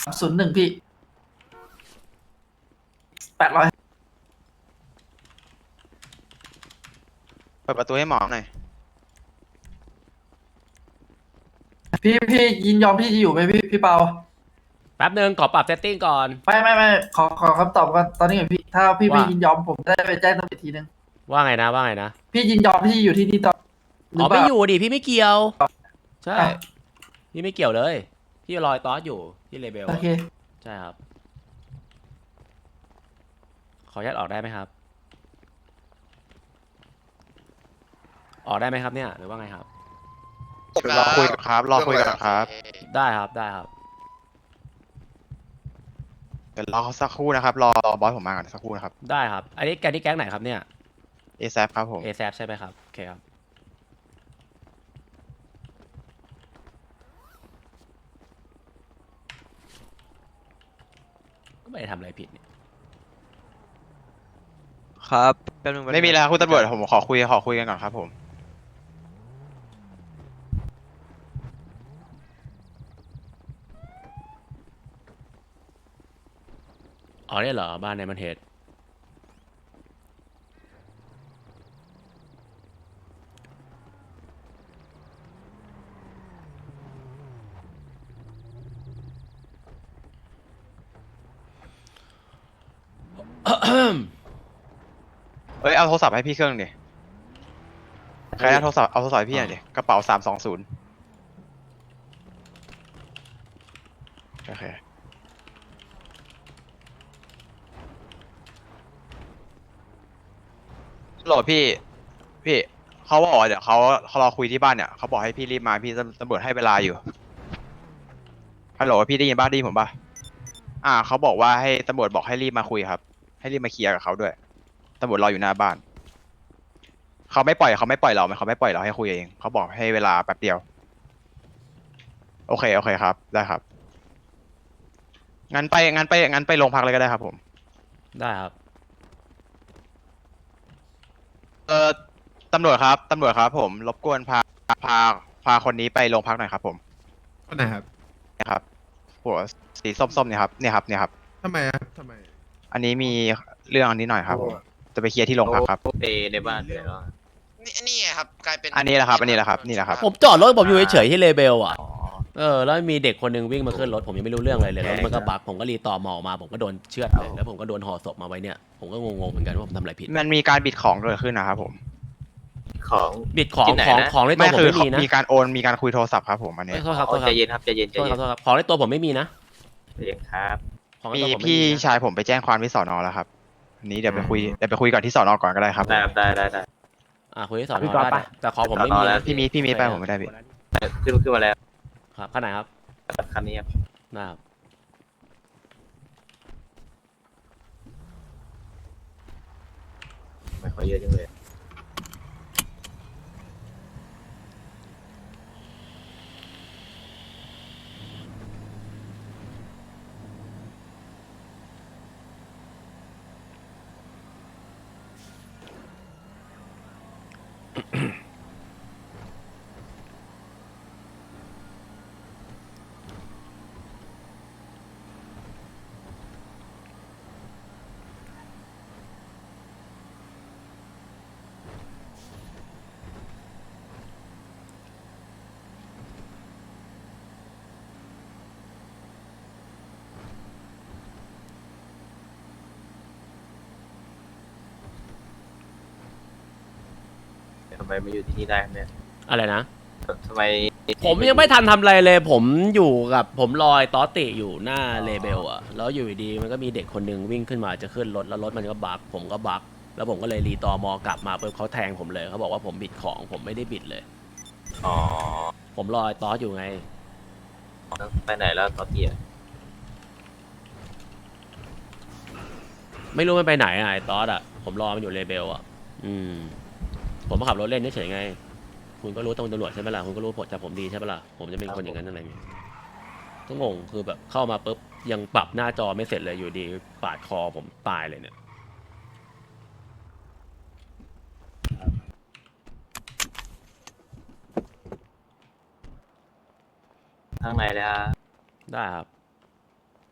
01พี่800 เปิดประตูให้หมอหน่อยพี่ยินยอมพี่จะอยู่ไหมพี่เปาแป๊บนึงขอปรับเซตติ้งก่อนไม่ขอคำตอบกันตอนนี้ก่อนพี่ถ้าพี่ไม่ว่ายินยอมผมได้ไปแจ้งตำรวจอีกทีนึงว่าไงนะว่าไงนะพี่ยินยอมที่อยู่ที่นี่ต่อหรือ๋ออเปไม่ล่าอยู่ดิพี่ไม่เกี่ยว ใช่อ่ะพี่ไม่เกี่ยวเลย พี่รอยตอสอยู่ที่เลเบลโออะเคใช่ครับ ขออนุญาตออกได้ไหมครับ ออกได้ไหมครับเนี่ยหรือว่าไงครับรอคุยกันครับรอคุยกันครับได้ครับได้ครับเดี๋ยวรอสักครู่นะครับรอบอสผมมาก่อนสักครู่นะครับได้ครับ อันนี้แก๊งที่แก๊งไหนครับเนี่ยเอซครับผมเอแซใช่ไหมครับโอเคครับก็ไม่ได้ทำอะไรผิดเนี่ยครับแป๊บนึงไม่มีแล้วครับคุณตำรวจผมขอคุยกันก่อนครับผมอ๋อเนี่ยเหรอบ้านในมันเฮดเอ้ยเอาโทรศัพท์ให้พี่เครื่องดิใครเอาโทรศัพท์ให้พี่หน่อยดิกระเป๋า320โอเคโหลดพี่เขาบอกว่าเดี๋ยวเขารอคุยที่บ้านเนี่ยเขาบอกให้พี่รีบมาพี่ตำรวจให้เวลาอยู่ฮัลโหลพี่ได้ยินบ้าได้ยินผมป่ะเขาบอกว่าให้ตำรวจบอกให้รีบมาคุยครับให้รีบมาเคลียร์กับเขาด้วยตำรวจรออยู่หน้าบ้านเขาไม่ปล่อยเราเขาไม่ปล่อยเราให้คุยเองเขาบอกให้เวลาแป๊บเดียวโอเคครับได้ครับงั้นไปโรงพักเลยก็ได้ครับผมได้ครับเออตำรวจครับผมรบกวนพาพาคนนี้ไปโรงพักหน่อยครับผมคนไหนครับนะครับหัวสีส้มๆเนี่ยครับเนี่ยครับทำไมครับทำไมอันนี้มีเรื่องอันนี้หน่อยครับผมจะไปเคลียร์ที่โรงพักครับในบ้านเลยเหรอนี่ครับกลายเป็นอันนี้แหละครับนี่แหละครับผมจอดรถผมอยู่เฉยๆที่เลเบลอ่ะแล้วมีเด็กคนหนึงวิ่งมาขึ้นรถผมยังไม่รู้เรื่องอะไรเลยแล้วมันก็บักผมก็รีต่อมอมาผมก็โดนเชือดเลยแล้วผมก็โดนห่อศพมาไว้เนี่ยผมก็งงๆเหมือนกันว่าผมทำอะไรผิดมันมีการบิดของเกิดขึ้นนะครับผมของบิดของที่ไหนของนะของในตัไม่วผมคือไม่มีนะมีการโอนมีการคุยโทรศัพท์ครับผมอันนี้โทษครับโทษคใจรับเย็นครับใจเย็นใจโทษคเย็รับนโทษครับของในตัวผมไม่มีนะใจเย็นครับของในมีตัวผมไม่พี่มีนะชายผมไปแจ้งความที่สอนอแล้วครับอันนี้เดี๋ยวไปคุยก่อนที่สอนอก่อนก็ได้ครับได้ครับได้คุยที่สอนอได้แต่ของผมไม่มีนะพี่มีไปผมไม่ได้พี่ขึ้นมาแล้วครับข้างไหนครับคันนี้ครับนะครับไม่ขอเยอะจังเลยทำไมมาอยู่ที่นี่ได้ครับเนี่ยอะไรนะทำไมผมยังไม่ทันทำอะไรเลย ผมอยู่กับผมลอยตอติอยู่หน้าเลเบลอะแล้วอยู่ดีๆมันก็มีเด็กคนหนึงวิ่งขึ้นมาจะขึ้นรถแล้วรถมันก็บักผมก็บักแล้วผมก็เลยรีตอมอกลับมาปุ๊บเขาแทงผมเลยเขาบอกว่าผมบิดของผมไม่ได้บิดเลยอ๋อผมลอยตอสอยู่ไงไปไหนแล้วตอนเตี้ยไม่รู้มันไปไหนอะไอ้ตอสอะผมรอมันอยู่เลเบลอะผมมาขับรถเล่นเฉยๆไง คุณก็รู้ตำรวจใช่ไหมล่ะคุณก็รู้ผลจากผมดีใช่ไหมล่ะผมจะเป็นคนอย่างนั้นอะไรเงี้ยก็งงคือแบบเข้ามาปุ๊บยังปรับหน้าจอไม่เสร็จเลยอยู่ดีปาดคอผมตายเลยเนี่ยข้างในเลยฮะได้ครับ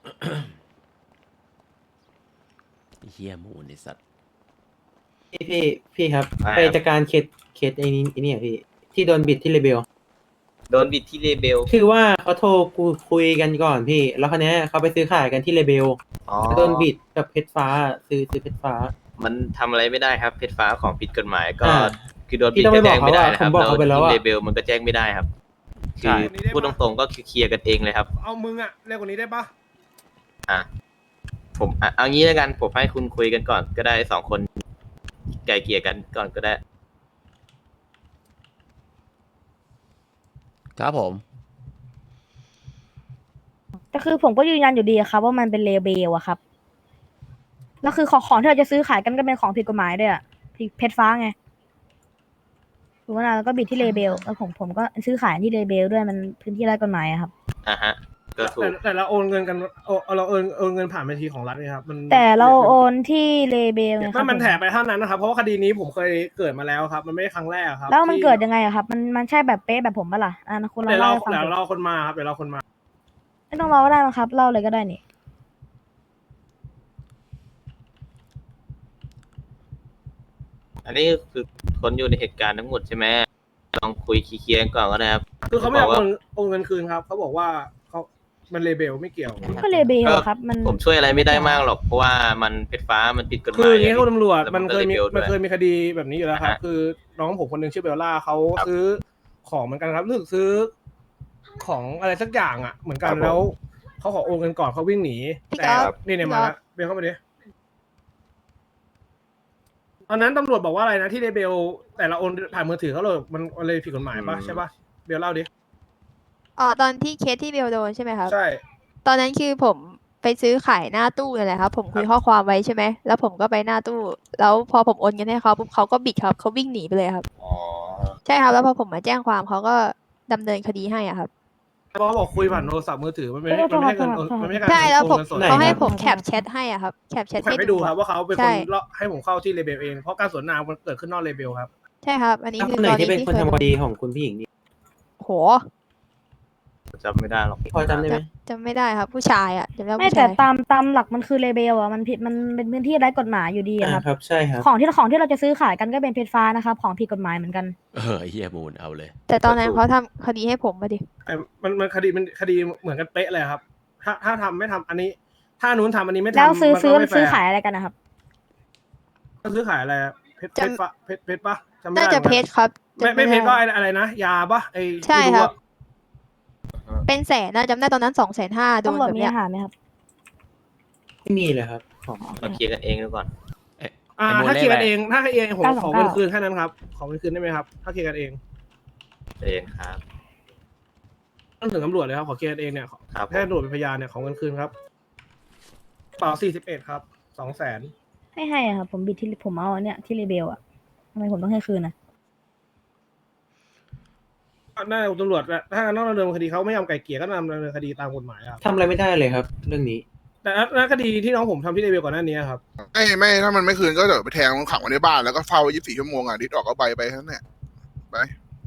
เฮียมูนไอสัตว์พี่ครับอ่าไปจัดการเคสไอ้นี่อะพี่ที่โดนบิดที่เลเบลโดนบิดที่เลเบลคือว่าเขาโทรคุยกันก่อนพี่ แล้วคราวเนี้ยเขาไปซื้อขายกันที่เลเบลอ๋อแล้วโดนบิดกับเพชรฟ้าซื้อเพชรฟ้ามันทำอะไรไม่ได้ครับเพชรฟ้าของผิดกฎหมายก็อ่าคือโดนพี่บิดต้องไปก็แจ้งไม่ได้นะคผมบอกรับเขาไปแล้วที่อะเลเบลมันก็แจ้งไม่ได้ครับใช่คือพูดตรงๆก็คือเคลียร์กันเองเลยครับเอามึงอะเร็วกว่านี้ได้ปะอ่ะผมเอางี้แล้วกันผมให้คุณคุยกันก่อนก็ได้2 คนไกลเกลี่ยกันก่อนก็ได้ครับผมแต่คือผมก็ยืนยันอยู่ดีอะครับว่ามันเป็นเลเบลอะครับแล้วคือของที่เราจะซื้อขายกันก็เป็นของผิดกฎหมายด้วยอะเพชรฟ้าไงถูกไหมล่ะแล้วก็บิดที่เลเบลแล้วผมก็ซื้อขายที่เลเบลด้วยมันพื้นที่ไร้กฎหมายอะครับอ่ะฮะก็ถูกแต่เราโอนเงินกันเราโอนเงินผ่านบัญชีของรัฐนี่ครับมันแต่เราโอนที่เลเบลไงคไม่รับมันแถไปเท่านั้นนะครับ เพราะว่าคดีนี้ผมเคยเกิดมาแล้วครับ มันไม่ใช่ครั้งแรกครับแล้วมันที่เกิดยังไงอะครับมันใช่แบบเป๊ะแบบผมปะล่ะคุณลองเดี๋ยวเราเล่าให้ฟังเดี๋ยวสิเราคนมาครับเดี๋ยวเราคนมาไม่ต้องรอก็ได้มั้งครับเล่าเลยก็ได้นี่อันนี้คือคนอยู่ในเหตุการณ์ทั้งหมดใช่ไหมลองคุยเคลียร์กันก่อนก็ได้ครับคือเขาไม่อยากบอกว่าโอนเงินคืนครับเขาบอกว่ามันเลเบลไม่เกี่ยวก็เลเบลครับมันผมช่วยอะไรไม่ได้มากหรอกเพราะว่ามันเพชรฟ้ามันผิดกฎหคืมาอย อย่างนี้คุณตำรวจแล้วมันเคยมีก็ลบมันด้วเคยมีคดีแบบนี้อยู่แล้วครับฮะคือน้องผมคนหนึงชื่อเบลล่าเขาครับซื้อของเหมือนกันครับรู้สึกซื้อของอะไรสักอย่างอ่ะ เหมือนกันครับผมแล้วเขาขอโอนเงินก่อนเขาวิ่งหนีพี่แต่ก๊อฟนี่มาแล้วเบลเข้ามาดิตอนนั้นตำรวจบอกว่าอะไรนะที่เลเบลแต่เราโอนผ่านมือถือเขาเลยมันเลยผิดกฎหมายปะใช่ปะเบลเล่าดิอ๋อตอนที่เคสที่เบลโดนใช่ไหมครับใช่ตอนนั้นคือผมไปซื้อขายหน้าตู้นั่นแหละครับ ผมคุยข้อความไว้ใช่ไหมแล้วผมก็ไปหน้าตู้ แล้วพอผมโอนเงินให้เขาปุ๊บเขาก็บิดครับเขาวิ่งหนีไปเลยครับอ๋อใช่ครับแล้วพอผมมาแจ้งความเขาก็ดำเนินคดีให้อ่ะครับเพราะเขาบอกคุยผ่านโทรศัพท์มือถือมันไม่ใช่เงินมันไม่ใช่การใช่แล้วผมโอนเงินสดไหนเขาให้ครับผมแคปแชทให้อ่ะครับแคปแชทผมให้ให้ดูครับว่าเขาเป็นคใช่นให้ผมเข้าที่เลเบลเองเพราะการสวนทนามันเกิดขึ้นนอกเลเบลครับใช่ครับ อันนี้แล้วคืคอนไหนตอนที่นี้เป็นที่คนเคยทำคดีของคุณผู้หญิงนี่โหจำไม่ได้หรอกพอจำได้ไหมจำไม่ได้ครับ ผู้ชายอ่ะจำได้ไม่ผู้แต่ชายตามหลักมันคือเลเบลอะมันผิดมันเป็นพื้นที่ไร้กฎหมายอยู่ดีอะครับครับใช่ครับของที่เราจะซื้อขายกันก็เป็นเพชรฟ้านะครับของผิดกฎหมายเหมือนกันไอเฮียมูนเอาเลยแต่ตอนนั้นเขาทำคดีให้ผมมาดิแต่มันคดีเหมือนกันเป๊ะเลยครับ ถ้าทำไม่ทำอันนี้ ถ้านู้นทำอันนี้ไม่ทำแล้วซื้อมันก็ไม่แฟซื้อร์ขายอะไรกันนะครับซื้อขายอะไรอะเพชรจำเพชรปะจำไม่น่าได้จะหมือนเพกันชรครับไม่เพชรก็ด้อะไรนะยาปะไอใช่ที่ครับอะเป็นแสนนะจำได้ตอนนั้น250,000โดนตำรวจแบบมีเนี้ยอาหารไหมครับไม่มีเลยครับของเราเคลียร์กันเองดูก่อนถ้าเคลียร์กันเองถ้าเคลียร์เองผมขอเงิน 929 คืนแค่นั้นครับขอเงินคืนได้ไหมครับถ้าเคลียร์กันเองเองครับต้องถึงตำรวจเลยครับขอเคลียร์กันเองเนี่ยครับผมแค่ตำรวจเป็นพยานเนี่ยขอเงินคืนครับเปล่า41ครับ200,000 ให้อะครับผมบิดที่ผมเอาเนี่ยที่เลเบลอะทำไมผมต้องให้คืนนะน่าจะตำรวจถ้าต้องดำเนินคดีเขาไม่ยอมไกลเกลี่ยก็ดำเนินคดีตามกฎหมายครับทำอะไรไม่ได้เลยครับ เรื่องนี้แต่ณคดีที่น้องผมทำที่เลเวลก่อนหน้านี้ครับไม่ถ้ามันไม่คืนก็เดี๋ยวไปแทงมันขังไว้ในบ้านแล้วก็เฝ้า24 ชั่วโมงอ่ะดิดออกก็ไปแค่นั้นแหละไป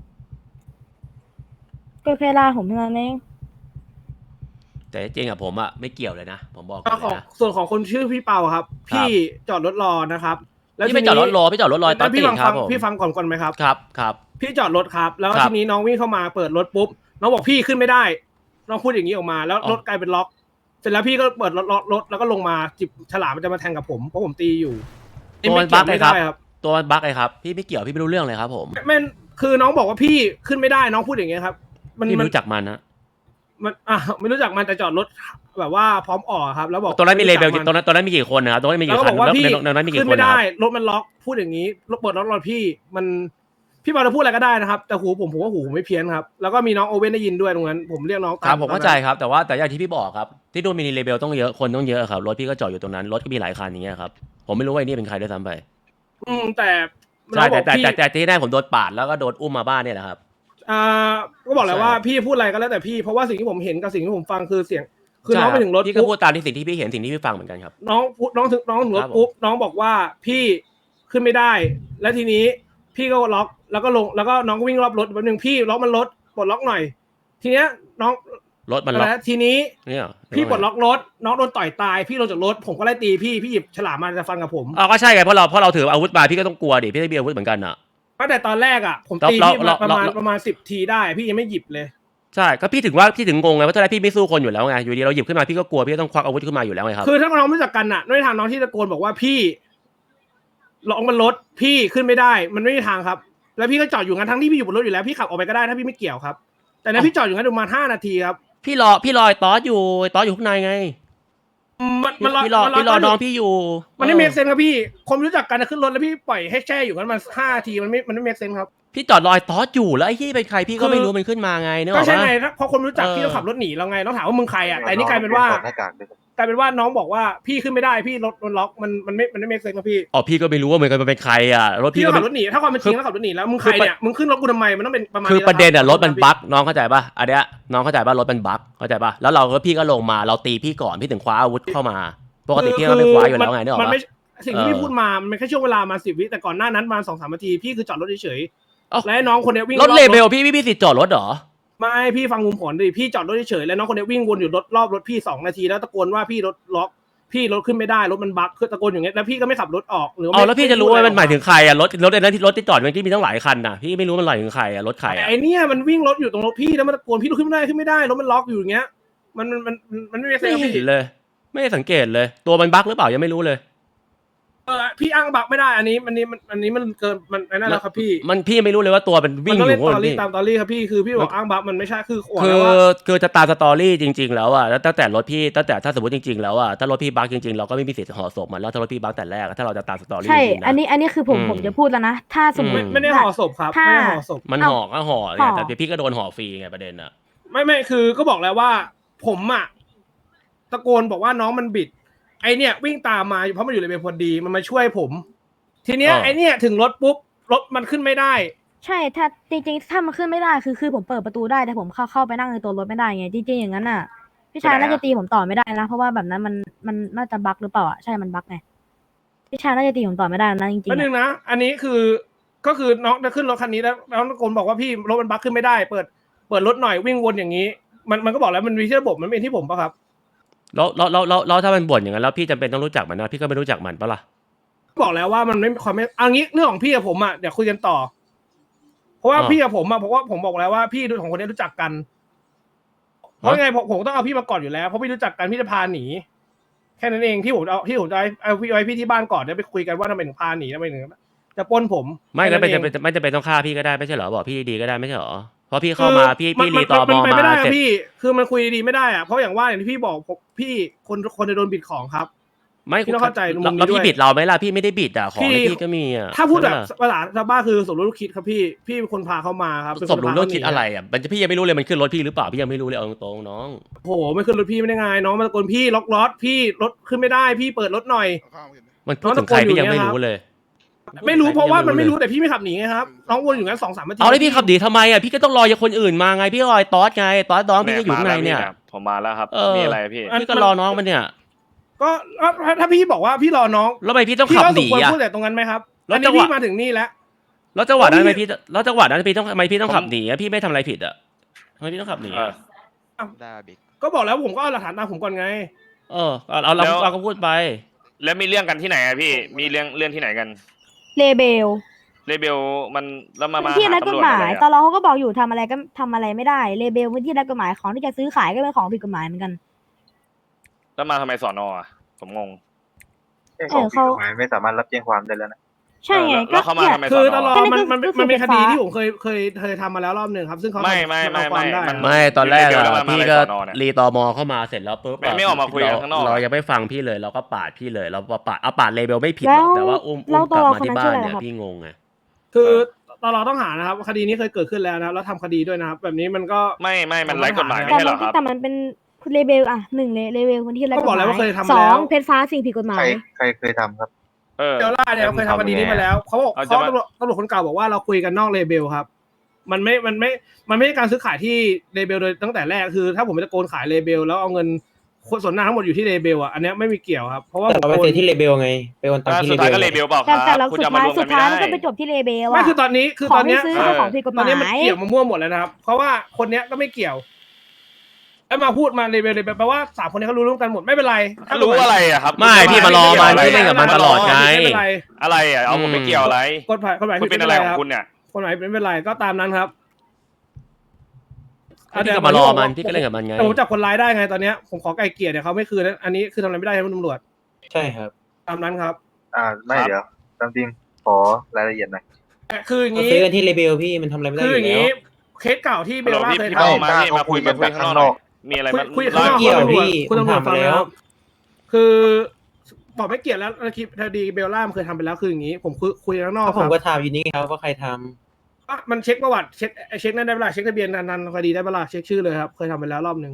ก็แค่ล่าผมเท่านั้นเองแต่จริงอะผมอะไม่เกี่ยวเลยนะ ผมบอกก็เลยของนะส่วนของคนชื่อพี่เปาครับ พี่จอดรถรอนะครับพี่ไม่จอดรถรอพี่จอดรถรอตอนพี่ตื่ฟันครับผมพี่ฟังก่อนไหมครับครับพี่จอดรถครับ แล้วครับทีนี้น้องวิ่งเข้ามาเปิดรถปุ๊บน้องบอกพี่ขึ้นไม่ได้น้องพูดอย่างนี้ออกมาแล้วอ๋อรถกลายเป็นล็อก เสร็จแล้วพี่ก็เปิดรถแล้วก็ลงมาจิบฉลามมันจะมาแทงกับผมเพราะผมตีอยู่ตัวมันไเกี่บั๊ยกวเลยไม่ครับได้ครับตัวมันบั๊กเลยครับพี่ไม่เกี่ยวพี่ไม่รู้เรื่องเลยครับผมไม่คือน้องบอกว่าพี่ขึ้นไม่ได้น้องพูดอย่างเงี้ยครับพี่ไม่รู้จักมันนะมันไม่รู้จักมันแต่จอดรถแบบว่าพร้อมออกครับ แล้วบอกตอนนั้นมีเลเบลไรู้จักตอนนั้นมีกี่คนนะครับตอนนั้นมีแล้วกี่ก็คับนอกว่าแล้วพี่ในนั้นมีกี่ขึ้นคนไม่นะคได้รับรถมันล็อกพูดอย่างนี้รถเปิดรถรอพี่มันพี่บอลจะพูดอะไรก็ได้นะครับ แต่หูผมว่าหูผมไม่เพี้ยนครับ แล้วก็มีน้องโอเว่นได้ยินด้วยตรงนั้น ผมเรียกน้องคตารับมผมเข้าใจครับแต่ว่าแต่อย่างที่พี่บอกครับที่นู่นมีเลเบลต้องเยอะคนต้องเยอะครับรถพี่ก็จอดอยู่ตรงนั้นรถก็มีหลายคันอย่างเงี้ยครับผมไม่รู้ว่าไอ้นี่เป็นใครด้วยซ้ำไปแต่ใช่น้องบอกพี่แต่ที่แน่ผมโดนปาดแล้วก็โดนอุ้มมาบ้านเนี่ยแหละครับก็บอกแล้วใช่ว่าพี่พูดอะไรก็แล้วแต่พี่เพราะว่าสิ่งที่ผมเห็นกับสิ่งที่ผมฟังคือเสียงคือน้องใช่ไปถึงรถพี่ก็ปุ๊บพูดตามที่สิ่งที่พี่เห็นสิ่งที่พี่ฟังเหมือนกันครับน้องถึงรถครับผมปุ๊บน้องบอกว่าพี่ขึ้นไม่ได้ แล้วทีนี้พี่ก็ล็อกแล้วก็ลงแล้วก็น้องก็วิ่งรอบรถแป๊บนึงพี่ล็อกมันรถปลดล็อกหน่อย ทีเนี้ยน้องรถมันล็อกแล้วทีนี้เนี่ยพี่ปลดล็อกรถน้องโดนต่อยตายพี่ลงจากรถผมก็ไล่ตีพี่หยิบฉลามมาจะฟันกับผมอ้าวก็ใช่ไงเพราะเราถืออาวุธมาพี่ก็ต้องกลัวดิพี่ได้มีอาวุธเหมือนกันอ่ะตั้งแต่ตอนแรกอ่ะผมตีเราพี่เราประมาณ10 ทีได้พี่ยังไม่หยิบเลยใช่ก็พี่ถึงงงไงว่าตอนแรกพี่ไม่สู้คนอยู่แล้วไงอยู่ดีเราหยิบขึ้นมาพี่ก็กลัวพี่ก็ต้องควักอาวุธขึ้นมาอยู่แล้วไงครับคือถ้าน้องไม่รู้จักกันอ่ะไม่มีทางน้องที่ตะโกนบอกว่าพี่ลองมันรถพี่ขึ้นไม่ได้มันไม่มีทางครับ แล้วพี่ก็จอดอยู่งั้นทั้งที่พี่อยู่บนรถอยู่แล้วพี่ขับออกไปก็ได้ถ้าพี่ไม่เกี่ยวครับแต่เนี่ยพี่จอดอยู่งั้นประมาณ5 นาทีครับพี่รอไอ้ตอสอยู่ข้างในไง พี่รอน้องพี่อยู่มันไม่เมคเซนครับพี่คนรู้จักกันขึ้นรถแล้วพี่ปล่อยให้แช่อยู่งั้นมัน5 นาทีมันไม่เมคเซนครับพี่จอดรอไอ้ตอสอยู่แล้วไอ้ที่เป็นใครพี่ก็ไม่รู้มันขึ้นมาไงเนอะก็ใช่ว่าไงพอคนรู้จักพี่ต้องขับรถหนีเราไงต้องถามว่ามึงใครอ่ะแต่นี่กลายเป็นว่าน้องบอกว่าพี่ขึ้นไม่ได้พี่รถมันล็อกมันไม่เมคเซนครับพี่อ๋อพี่ก็ไม่รู้ว่าเหมือนกันมันเป็นใครอ่ะรถพี่พี่ก็ก็ขับรถหนีถ้าความเป็นจริงแล้วขับรถหนีแล้วมึงใครเนี่ยมึงขึ้นรถกูทำไมมันต้องเป็นประมาณคือนี้ประเด็นอ่ะคบรถมันบั๊กน้องเข้าใจป่ะอันเนี้ยน้องเข้าใจป่ะรถมันบั๊กเข้าใจป่ะแล้วพี่ก็ลงมาเราตีพี่ก่อนพี่ถึงคว้าอาวุธเข้ามาปกติพี่ก็ไม่คว้าอยู่แล้วไงเนี่ยหรอมันวะไม่สิ่งที่พี่พูดมามันเป็นแค่ช่วงเวลามา10 วิแต่ก่อนหน้านั้นมา2-3 นาทีพี่คือจอดรถเฉยๆแล้วน้องคนนี้วิ่งรถเลเบลพี่มีสิทธิ์จอดรถเหรอไม่พี่ฟังมุมผลดิพี่จอดรถเฉยๆแล้วน้องคนนี้วิ่งวนอยู่รอบรถพี่2 นาทีแล้วตะโกนว่าพี่รถล็อกพี่รถขึ้นไม่ได้รถมันบั๊กคือตะโกนอย่างเงี้ยแล้วพี่ก็ไม่ขับรถออกหรืออ๋อแล้วพี่จะรู้ว่ามันหมายถึงใครอ่ะรถไอ้นั้นที่รถที่จอดมันที่มีตั้งหลายคันน่ะพี่ไม่รู้มันหมายถึงใครอ่ะรถใครอ่ะไอเนี่ยมันวิ่งรถอยู่ตรงรถพี่แล้วมันตะโกนพี่รถขึ้นไม่ได้รถมันล็อกอยู่อย่างเงี้ยมันไม่ได้เซไม่ฟเห็พี่นเลยไม่ได้สังเกตเลยตัวมันบั๊กหรือเปล่ายังไม่รู้เลยพี่อ้างบั๊กไม่ได้อันนี้มันเกินมันนั่นแล้วครับพี่มันพี่ไม่รู้เลยว่าตัวมันวิ่งมันอต้องเล่นยู่ตอรี่พี่ตามตอรี่ครับพี่คือพี่บอกอ้างบั๊กมันไม่ใช่คือบอกคืแล้วอว่าคือจะตามสตอรี่จริงๆแล้วอ่ะแล้วตั้งแต่รถพี่ตั้งแต่ถ้าสมมติจริงๆแล้วอ่ะถ้ารถพี่บั๊กจริงๆเราก็ไม่มีสิทธิ์ห่อศพมันแล้วถ้ารถพี่บั๊กแต่แรกถ้าเราจะตามสตอรี่ใช่จริงๆนะอันนี้คือผมจะพูดแล้วนะถ้าสมมติไม่ได้ห่อศพครับไม่ได้ห่อศพมันห่อก็ห่อเนี่ยแต่พี่ก็โดนห่อฟรีไงประเด็นอ่ะไม่คือก็บอกแล้วว่าผมอ่ะตะโกนบอกว่าน้องมันบิดไอเนี่ยวิ่งตามมาเพราะมันอยู่ในเบลพอดีมันมาช่วยผมทีเนี้ยไอเนี่ยถึงรถปุ๊บรถมันขึ้นไม่ได้ใช่ถ้าจริงๆถ้ามันขึ้นไม่ได้คือผมเปิดประตูได้แต่ผมเข้าไปนั่งในตัวรถไม่ได้ไงจริงๆอย่างนั้นน่ะพี่ชายน่าจะตีผมต่อไม่ได้นะเพราะว่าแบบนั้นมันน่าจะบั๊กหรือเปล่าอ่ะใช่มันบั๊กไงพี่ชายน่าจะตีผมต่อไม่ได้นะจริงแล้วๆนึงนะอันนี้ก็คือน้องจะขึ้นรถคันนี้แล้วตะโกนบอกว่าพี่รถมันบั๊กขึ้นไม่ได้เปิดรถหน่อยวิ่งวนอย่างนี้มันก็บอกแล้วมันมีที่ระบบมันเป็นที่ผมปะครับแล้วถ้ามันบ่นอย่างนั้นแล้วพี่จำเป็นต้องรู้จักมันนะพี่ก็ไม่รู้จักมันปะล่ะบอกแล้วว่ามันไม่ความไม่เอางี้เรื่องของพี่กับผมอ่ะเดี๋ยวคุยกันต่อ เพราะว่าพี่กับผมอ่ะเพราะว่าผมบอกแล้วว่าพี่ของคนนี้รู้จักกันเพราะไงผมต้องเอาพี่มาก่อนอยู่แล้วเพราะพี่รู้จักกันพี่จะพาหนีแค่นั้นเองที่ผมจะเอาพี่ไว้พี่ที่บ้านก่อนเดี๋ยวไปคุยกันว่าทำไมถึงพาหนีทำไมถึงจะปล้นผมไม่ก็แค่ไม่นั้นจำเองเป็นไม่จำเป็นต้องฆ่าพี่ก็ได้ไม่ใช่เหรอบอกพี่ดีๆก็ได้ไม่ใช่เหรอเพราะพี่เข้ามาพี่รีตอมอไปมาไม่ได้เสร็จพี่คือมันคุยดีๆไม่ได้อะเพราะอย่างว่าอย่างที่พี่บอกพี่คนจะโดนบิดของครับไม่พี่ต้องเข้าใจมุมนี้แล้วพี่ด้วยบิดเราไหมล่ะพี่ไม่ได้บิดอ่ะของในพี่ก็มีอ่ะถ้าพูดแบบใช่ปะภาษาชาวบ้านคือสมรู้ร่วมคิดครับพี่เป็นคนพาเขามาครับเป็นสนมรู้พาร่วเขามหนีคิดอะไรอ่ะมันจะพี่ยังไม่รู้เลยมันขึ้นรถพี่หรือเปล่าพี่ยังไม่รู้เลยเอาตรงๆน้องโอ้โหไม่ขึ้นรถพี่ไม่ได้ไงน้องมาตะโกนพี่ล็อกรถพี่รถขึ้นไม่ได้พี่เปิดรถหน่อยมันพูดถึงใครพี่ยังไม่รู้เลยไม่รู้เพราะว่ามันไม่รู้แต่พี่ไม่ขับหนีไงครับน้องวนอยู่งั้น2-3 นาทีเอาแล้วพี่ขับดีทำไมอ่ะพี่ก็ต้องรอคนอื่นมาไงพี่รอไอ้ตอสไงตอสน้องพี่ก็อยู่ข้างในเนี่ยผมมาแล้วครับมีมีอะไรพี่พี่ก็รอน้องมันเนี่ยก็ถ้าพี่บอกว่าพี่รอน้องแล้วทำไมพี่ต้องพี่ขับก็หสมนีควรอ่ะพูดแต่ตรงนั้นไหมครับแล้วอันจันี้งหวะพี่มาถึงนี่แล้วแล้วจังหวะนั้นทำไมพี่ทำไมพี่ต้องขับหนีอ่ะพี่ไม่ทำอะไรผิดอ่ะทำไมพี่ต้องขับหนีอ่ะได้บิ๊กก็บอกแล้วผมก็เอาหลักฐานตามผมก่อนไงเราก็พูดไปแล้วมีเรื่องกันที่ไหนอะพี่ มีเรื่องที่ไหนกันเลเบลเลเบลมันแล้วมาพื้นที่หารัฐกตำฎรวจหอะมาไรยอะตลอเขาก็บอกอยู่ทำอะไรก็ทำอะไรไม่ได้เลเบลพื้นที่รัฐกฎหมายของที่จะซื้อขายก็เป็นของผิดกฎหมายเหมือนกันแล้วมาทำไมสอนอะผมงงเขาไม่สามารถรับแจ้งความได้แล้วนะใช่ไงแล้วเขามาเนี่ยทำไมคือสตอนลออะดมันเป็นคดีที่ไฟฟ้าผมเคยทำมาแล้วรอบหนึ่งครับ ซึ่งเขาไม่เอาความได้ไม่ตอนแรกเลเบลแล้วอ่ะมาพี่อะไรก็สอนอเนี่ยรีตอมอเข้ามาเสร็จแล้วปุ๊บไม่ออกมาคุยกันข้างนอกเรายังไม่ฟังพี่เลยเราก็ปาดพี่เลยเราปาดเลเบลไม่ผิดหรแล้อกวแต่ว่าอุ้มแล้วกลับมาตลอที่คนนั้นบ้าชื่นออะไรเนี่ยครับพี่งงไงคือตลอดต้องหานะครับคดีนี้เคยเกิดขึ้นแล้วนะครับแล้วทำคดีด้วยนะครับแบบนี้มันก็ไม่มันไร้กฎหมายไม่แต่ใช่เหรมัอครับแต่มันเป็นเลเบลอ่ะหนึ่งเลเบลพื้นที่รัฐกฎก็บอกหแล้มาวย ว่าเคยทำสมาอแล้วงเพชรฟ้าสิ่งผิดกฎหมายใครเคยทำครับเดี๋ยวล่าเนี่ยเคยทำคดีนี้มาแล้วเขาบอกเอาจะเขามาตำรวจคนเก่าบอกว่าเราคุยกันนอกเลเบลครับมันไม่ใช่การซื้อขายที่เลเบลโดยตั้งแต่แรกคือ ถ้าผมไปตะโกนขายเลเบลแล้วเอาเงินส่วนหน้าทั้งหมดอยู่ที่เลเบลอ่ะอันเนี้ยไม่มีเกี่ยวครับเพราะว่าแต่เราไปเซ็นที่เลเบลไงไปโอนตังค์ที่สุเลดเบท้ายลก็เลเบลเปล่าคแต่รับเราคุณสุดจะมาท้ายรวมสุกัดนไม่ท้ายได้มันก็ไปจบที่เลเบลไม่อ่ะคือตอนนี้คือขตออง นเนี้ที่ยซื้อคือของผิดกฎหตอนมายนี้มันเกี่ยวมามั่วหมดแล้วนะครับเพราะว่าคนเนี้ยก็ไม่เกี่ยวแล้วมาพูดมาเลเวลแปลว่าสามคนนี้เขารู้ร่วมกันหมดไม่เป็นไรถ้ารู้อะไรอะครับไม่พี่มารอมันพี่เล่นกับมันตลอดไงไม่เป็นไรอะไรอะเอาผมไม่เกี่ยวอะไรกฎหมายคุณเป็นอะไรของคุณเนี่ยกฎหมายไม่เป็นไรก็ตามนั้นครับพี่ก็มารอมันพี่ก็เล่นกับมันไงแต่ผมจับคนร้ายได้ไงตอนเนี้ยผมขอไกลเกลี่ยเนี่ยเขาไม่คืนนะอันนี้คือทำอะไรไม่ได้ใช่ไหมตำรวจใช่ครับตามนั้นครับไม่เดี๋ยวตามจริงขอรายละเอียดหน่อยคืออย่างเขานี้ซื้อกันที่เลเบลพี่มันทำอะไรไม่ได้คือออย่างยู่แล้นี้วเคสเก่าที่เบลล่าเคยพี่ทเป้ามาพี่มาคุยกันข้างนอกมีอะไรมาคุยข้างนอกเกี่ยวพี่คุณตำรวจผมถามฟังไปแล้แล้ววคือบอกไม่เกี่ยวแล้วคดีเบลล่ามันเคยทำไปแล้วคืออย่างนี้ ผมคุยข้างนอกก็คผมรับก็ถามอยู่นี่ครับว่าใครทำมันเช็คประวัติเช็คนั่นได้เวลาเช็คทะเบียนนันคดีได้เวลาเช็คชื่อเลยครับเคยทำไปแล้วรอบหนึ่ง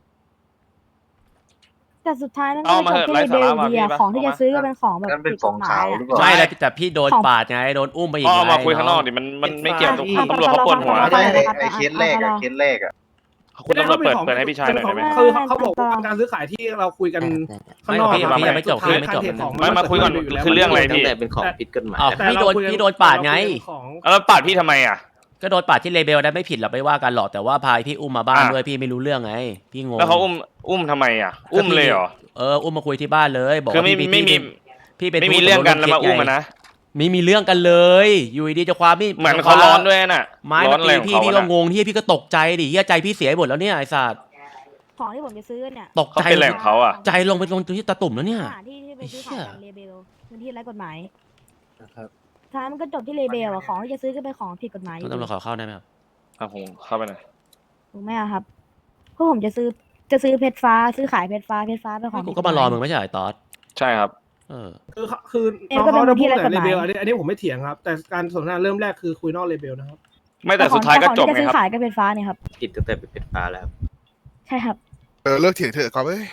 แต่สุดท้ายมันเอาก็มาจบเถอะที่เลเบลไร้สาระดีอะว่ะของที่พี่จะปะซื้อก็เป็นของแบบนั่นเป็นผิดขกองฎหมาขาวย หรือเปล่าไม่แต่พี่โดนปาดไงโดนอุ้มไปอีกก็เอามาไงคุยข้างนอกดิมันไม่เกี่ยวกับตำรวจเขาปวดหัวไม่ใช่ไอ้เคสแรกอะเคสแรกอะคุณตำรวจเปิดให้พี่ชายหน่อยได้ไหมคือเขาบอกว่าการซื้อขายที่เราคุยกันข้างนอกพี่ยังไม่จบพี่ยังไม่จบไม่มาคุยก่อนคือเรื่องอะไรตั้พี่งแต่เป็นของผิดกฎหมายอ้าวแต่พี่โดนปาดไงแล้วปาดพี่ทำไมอ่ะก็โดนปาดที่เลเบลได้ไม่ผิดหรอกไม่ว่ากันหรอกแต่ว่าพายพี่อุ้มมาบ้านอ่ะด้วยพี่ไม่รู้เรื่องไงพี่งงแล้วเขาอุ้มทำไมอ่ะ อุ้มเลยเหรออุ้มมาคุยที่บ้านเลยบอกคือว่าพี่ไม่มีพี่เป็นไม่มีเรื่องกันแล้วมาอุ้มนะไม่มีเรื่องกันเลยอยู่ดีๆจะความพี่เหมือนเขาร้อนด้วยน่ะไม้ร้มาอนอะไรตีของพี่เขาพี่ก็งงที่พี่ก็ตกใจดิเฮียใจพี่เสียหมดแล้วเนี่ยไอ้สัตว์ของที่ผมจะซื้อเนี่ยตกเขาใจเป็นอะไรของเขาอ่ะใจลงไปตรงที่ตาตุ่มแล้วเนี่ยสถานที่ที่ไปซื้อขายกันเลเบลพื้นที่ไร้กฎหมายนะครับสุดท้ายมันก็จบที่เลเบลอะของที่จะซื้อก็เป็นของผิดกฎหมายอยู่ตำรวจขอเข้าได้ไหมครับครับผมเข้าไปหน่อยถูกไหมอะครับเพราะผมจะซื้อเพชรฟ้าซื้อขายเพชรฟ้าเป็นของกูผิดก็ฎหมารอมึงไม่ใช่เหรอไอ้ตอสใช่ครับคือเอ็มก็เป็นน้องที่เขาไร้กฎเลหมายเบลอันนี้ผมไม่เถียงครับ แต่การสนทนาเริ่มแรกคือคุยนอกเลเบลนะครับไม่แต่สุดท้ายก็จบของที่จะซื้อไงครับขายก็เพชรฟ้าเนี่ยครับผิดตั้งแต่เป็นฟ้าแล้วใช่ครับเลิกเถียงเถอะครับเอ้ย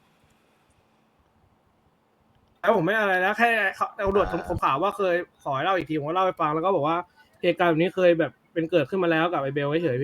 แล้วผมไม่อะไรแล้วแค่ตำรวจผมข่าวว่าเคยขอให้เล่าอีกทีผมก็เล่าไปฟังแล้วก็บอกว่าเหตุการณ์แบบนี้เคยแบบเป็นเกิดขึ้นมาแล้วกับไอเบลเฉยๆพี่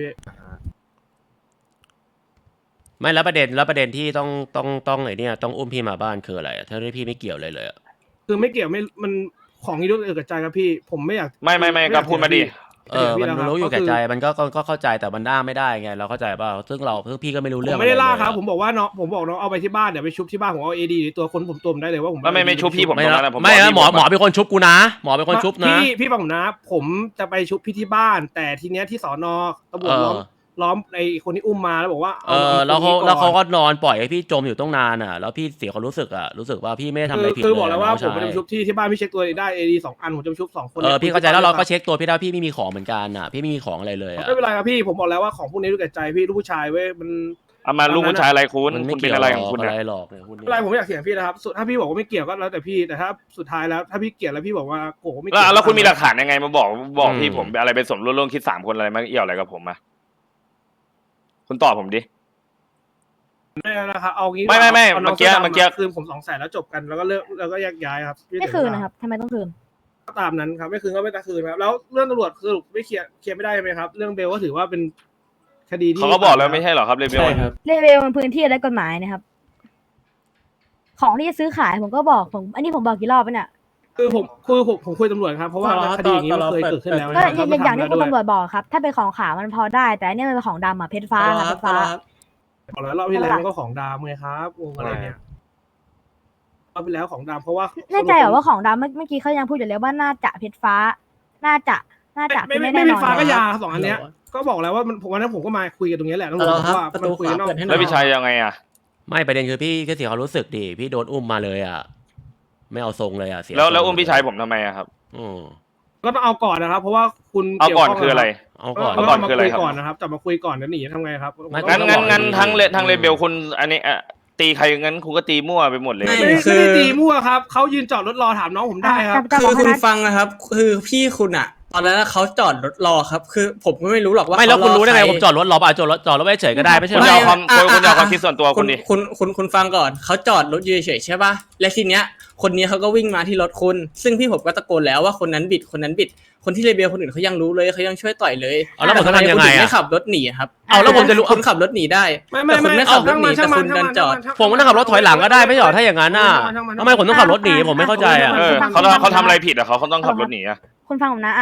ไม่แล้วประเด็นที่ต้องไอ้เนี่ยต้องอุ้มพี่มาบ้านคืออะไรอะถ้าที่พี่ไม่เกี่ยวเลยอะคือไม่เกี่ยวไม่มันของนี้ด้วยเอกใจครับพี่ผมไม่อยากไม่ก็พูดมาดิมันรู้อยู่แก่ใจมันก็เข้าใจแต่มันด่าไม่ได้ไงเราเข้าใจป่ะซึ่งพี่ก็ไม่รู้ผเรื่องมไม่ได้ล่าครับอะผมบอกว่าน้องผมบอกน้องเอาไปที่บ้านเดี๋ยวไปชุบที่บ้านผมเอาเอดีตัวคนผมตัวผมได้เลยว่าผมแล้วไม่ชุบพี่ผมไม่ตรงนะนั้นนะผมไม่บอกนะพี่หมอผมหมอเป็นคนชุบกูนะหมอเป็นคนชุบนะพี่ฟังผมนะผมจะไปชุบพี่ที่บ้าน แต่ทีเนี้ยที่สอนอตำรวจล้อมไอคนที่อุ้มมาแล้วบอกว่าแล้วเขาก็นอนปล่อยให้พี่จมอยู่ต้องนานอ่ะแล้วพี่เสียความรู้สึกว่าพี่ไม่ได้ทำอะไรผิดคือเลยบอกแล้วว่าน้องผมจะไปชุบที่บ้านพี่เช็คตัวได้เอดี2 อันผมจะไปชุบ2 คนพี่เข้าใจแล้วเราก็เช็คตัวพี่ได้พี่ไม่มีของเหมือนกันอ่ะพี่ไม่มีของอะไรเลยอ่ะไม่เป็นไรครับพี่ผมบอกแล้วว่าของพวกนี้ด้วยใจพี่ลูกผู้ชายเว้ยมันเอามาลูกผู้ชายอะไรคุณมันไม่คุณเกี่เป็ยวนอะไรของคุณอะไรเนี่ยหรอกเนี่ยคุณไม่เป็นไรผมไม่อยากเถียงพี่นะครับสุดถ้าพี่บอกว่าไม่เกี่ยวก็แล้วแต่พี่แต่ถ้าสุดท้ายแล้วถ้าพี่เกลียดแล้วพี่บอกว่าโกไม่แล้วคุณมีหลักฐานยังไงมาบอกพี่ผมอะไรเป็นสมรู้ร่วมคิด3 คนอะไรมาเกี่ยวอะไรกับผมอะคุณตอบผมดิไม่นะครับเอางี้ไม่อาเมื่น้อง กี้สื้ดำเมื่อกี้คืนผม200,000แล้วจบกันแล้วก็เลิกแล้วก็แยกย้ายครับพี่ไม่คืนนะครับทำไมต้องคืนก็ตามนั้นครับไม่คืนก็ไม่ตะคืนครับแล้วเรื่องตำรวจสรุปไม่เคลียร์ไม่ได้ใช่ไหมครับเรื่องเบลก็ถือว่าเป็นคดีที่เขาก็บอกแล้วไม่ใช่เหรอครับเรเบลใช่ครับเลเวลมันพื้นที่ไร้กฎหมายนะครับ ของที่จะซื้อขายผมก็บอกอันนี้ผมบอกกี่รอบแล้วเนี่ยคือผมคุยตำรวจครับเพราะว่าคดีอย่างนี้มันเคยเกิดขึ้นแล้วก็นะครับอย่างที่คุณตำรวจบอกครับ ถ้าเป็นของขาวมันพอได้ แต่อันนี้มันเป็นของดำอะเพชรฟ้าครับเพชรฟ้าบอกแล้วรอบที่แล้วมันก็ของดำไงครับวงอะไรเนี่ยรอบที่แล้วของดำเพราะว่าแน่ใจเหรอว่าของดำเมื่อกี้เขายังพูดอยู่เลยว่าน่าจะเพชรฟ้า น่าจะไม่คือไม่แน่ไม่นอนฟ้าก็ยา2 อันเนี้ยก็บอกแล้วว่ามันวันนั้นผมก็มาคุยกันตรงนี้แหละตำรวจบอกว่ามันคุยกันนอกแล้วพี่ชายยังไงอ่ะไม่ประเด็นคือพี่ก็เสียความรู้สึกดิพี่โดนอุ้มมาเลยอ่ะไม่เอาทรงเลยอ่ะเสียแล้วอุ้มพี่ชายผมทำไมอะครับก็ต้องเอาก่อนนะครับ เพราะว่าคุณเอาก่อนคืออะไรเอาก่อนเอาก่อนคืออะไรมาครับคุยก่อนนะครับจับมาคุยก่อนแล้วหนีทำไงครับงั้นทั้งเรเบลคุณอันนี้ตีใครงั้นคุณก็ตีมั่วไปหมดเลยไม่ได้ตีมั่วครับเขายืนจอดรถรอถามน้องผมได้ครับคือคุณฟังคือพี่คุณอะตอนนั้นเขาจอดรถรอครับ คือผมก็ไม่รู้หรอกว่าไม่แล้วคุณรู้ได้ไงผมจอดรถรอป่ะจอดรถไว้เฉยก็ได้ไม่ใช่คุณเหรจะอเอาความคิดส่วนตัวคุณดิคุณฟังก่อนเขาจอดรถอยู่เฉยๆใช่ป่ะและทีเนี้ยคนนี้เขาก็วิ่งมาที่รถคุณซึ่งพี่ผมก็ตะโกนแล้วว่าคนนั้นบิดคนที่เลเบลคนอื่นเขายังรู้เลยเขายังช่วยต่อยเลยแล้วผมจะทำยังไงคุณถึอ่ะไม่ขับรถหนีครับแล้วผมจะรู้คุณขับรถหนีได้ไม่แต่คุณไม่ขับรถหนีแต่คุณดันจอดผมก็นั่งขับรถถอยหลังก็ได้ไม่ใช่เหรอถ้าอย่างนั้นน่ะทำไมผมต้องขับรถหนีผมไม่เข้าใจอ่ะเขาทำอะไรผิดอะเขาต้องขับรถหนีอะคุณฟังผมนะ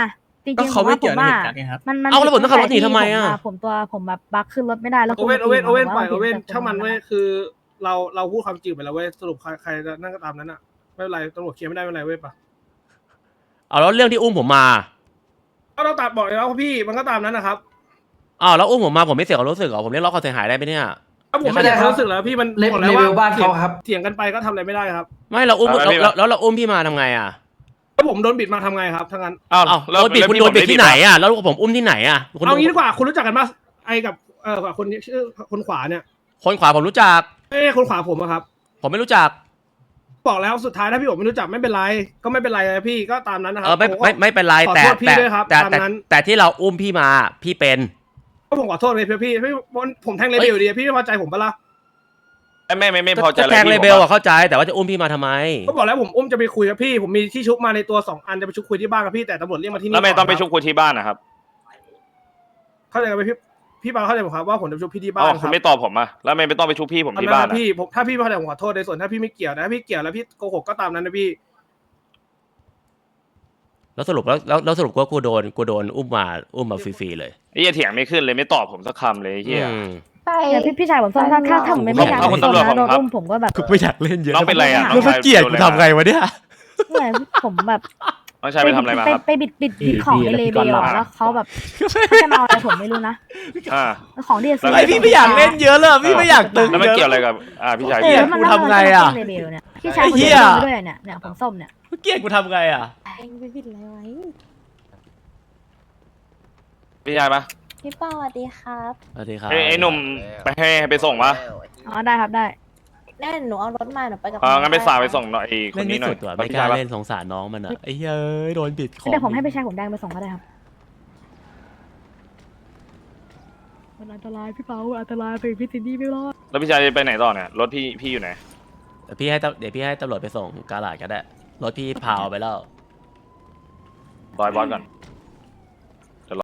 จริงก็ๆผเขามไม่ว่าผเกี่ยวมในว่าเหตุการณ์นี้ครับมันเอาแล้วผมต้องขับรถหนีทำไมอะผมแบบบักขึ้นรถไม่ได้แล้วโอเว่นโอเว่นโอเว่นผมปล่อยผโอมเว่นแต่ช่างมันคเว้ยคือเราพูดความจริงไปแล้วเว้ยสรุปใครจะนั่งก็ตามนั้นอ่ะไม่เป็นไรตำรวจเคลียร์ไม่ได้ไม่เป็นไรเว้ยปะเอาแล้วเรื่องที่อุ้มผมมาก็ต้องตัดบอกเลยแล้วพี่มันก็ตามนั้นนะครับอ้าวแล้วอุ้มผมมาผมไม่เสียความรู้สึกเหรอผมเรียกร้องความเสียหายได้ไหมเนี่ยถ้าผมไม่ได้ความรู้สึกแล้วพี่มันเลบอกเลแล้วเวว่าลบ้านเขาครับเถียงกันไปก็ทำอะไรไม่ได้ครับไม่เราอุ้มเอาไปแล้วเราอุ้มพี่มาทำไงอ่ะถ้าผมโดนบิดมาทำไงครับทั้งนั้นอ้าวอ้าวแล้วโดนบิดคุณโดนบิดที่ไหนอ่ะแล้วผมอุ้มที่ไหนอ่ะคุณเอางี้ดีกว่าคุณรู้จักกันปะไอ้กับกับคนที่ชื่อคนขวาเนี่ยคนขวาผมรู้จักไม่ใช่คนขวาผมอะครับผมไม่รู้จักบอกแล้วสุดท้ายถ้าพี่ผมไม่รู้จักไม่เป็นไรก็ไม่เป็นไรนะพี่ก็ตามนั้นนะครัไม่เป็นไรขอแต่โทษพี่ด้วยครับแต่ตามนั้นแต่ที่เราอุ้มพี่มาพี่เป็นก็ผมขอโทษเลยพี่ผมแทงเลเบลอยู่ดีพี่ไม่พอใจผมปะล่ะไม่พอใจก็อะไรแทงเลพี่เบลอะเข้าใจแต่ว่าจะอุ้มพี่มาทำไมก็บอกแล้วผมอุ้มจะไปคุยกับพี่ผมมีที่ชุบมาในตัว2 อันจะไปชุบคุยที่บ้านกับพี่แต่ตำรวจเรียกมาที่นี่แล้วไม่ต้องไปก่นชุบคุยที่บ้านนะครับเข้าใจกันไหมพี่ปาเข้าใจผมครับว่าผมจะไปชุบพี่ที่บ้าอ๋นอคคุรัณบไม่ตอบผมอ่ะแล้วไม่ต้องไปชุบพี่ผมที่บ้านพี่ถ้าพี่ไม่เข้าใจผมขอโทษในส่วนถ้าพี่ไม่เกี่ยวนะพี่เกี่ยวแล้วพี่โกหกก็ตามนั้นนะพี่แล้วสรุปแล้วสรุปว่ากูโดนอุ้มมาฟรีๆเลยไอ้เหี้ยเถียงไม่ขึ้นเลยไม่ตอบผมสักคำเลยไอ้เหี้ยอืมไปเดี๋ยวพี่ชายผมส้มถ้าผมไม่อยากเอาคุณตำรวจโดนผมครับอุ้มผมก็แบบกูไม่อยากเล่นเยอะน้องเป็นไรอ่ะแล้วมันเกลียดกูทำไงวะเนี่ยเนี่ยผมแบบน้องชายไปทำอะไรมาครับไปบิดของในเลเบลอะแล้วเขาแบบเขาจะมาเอาอะไรผมไม่รู้นะอ่าของที่จะซื้อไอพี่ไม่อยากเล่นเยอะเลยพี่ไม่อยากตึงแล้วมันเยอะเกี่ยวอะไรกับพี่ชายเอพี่ออะมันกูทำไงอะเลเบลเนี่ยพี่ชายไอ้คนเหี้เดียยวด้วยเนี่ยผมส้มเนี่ยเกลียดกูทำไงอ่ะเองไปบิดอะไรไว้พี่ชายปะพี่ป้าสวัสดีครับสวัสดีครับไอ้หนุ่มไปให้ไปส่งปะอ๋อได้ครับได้แน่หนูเอารถมาหนูไปกับงั้นไปฝากไปส่งหน่อยไอ้คเล่นนนี้ไม่หน่อสุยดว่ะไม่กล้าเล่นสงสารน้องมันอ่ะไอ้เฮ้ยโดนบิดของเดี๋ยวผมให้พี่ชายผมแดงไปส่งก็ได้ครับมันอันตรายพี่เปาอันตรายไปพี่ซินดี้ไม่รอดแล้วพี่ชายจะไปไหนต่อเนี่ยรถพี่อยู่ไหนเดี๋ยวพี่ให้ตำรวจไปส่งกาลาดก็ได้รถพี่พาวไปแล้วบอยบอสก่อน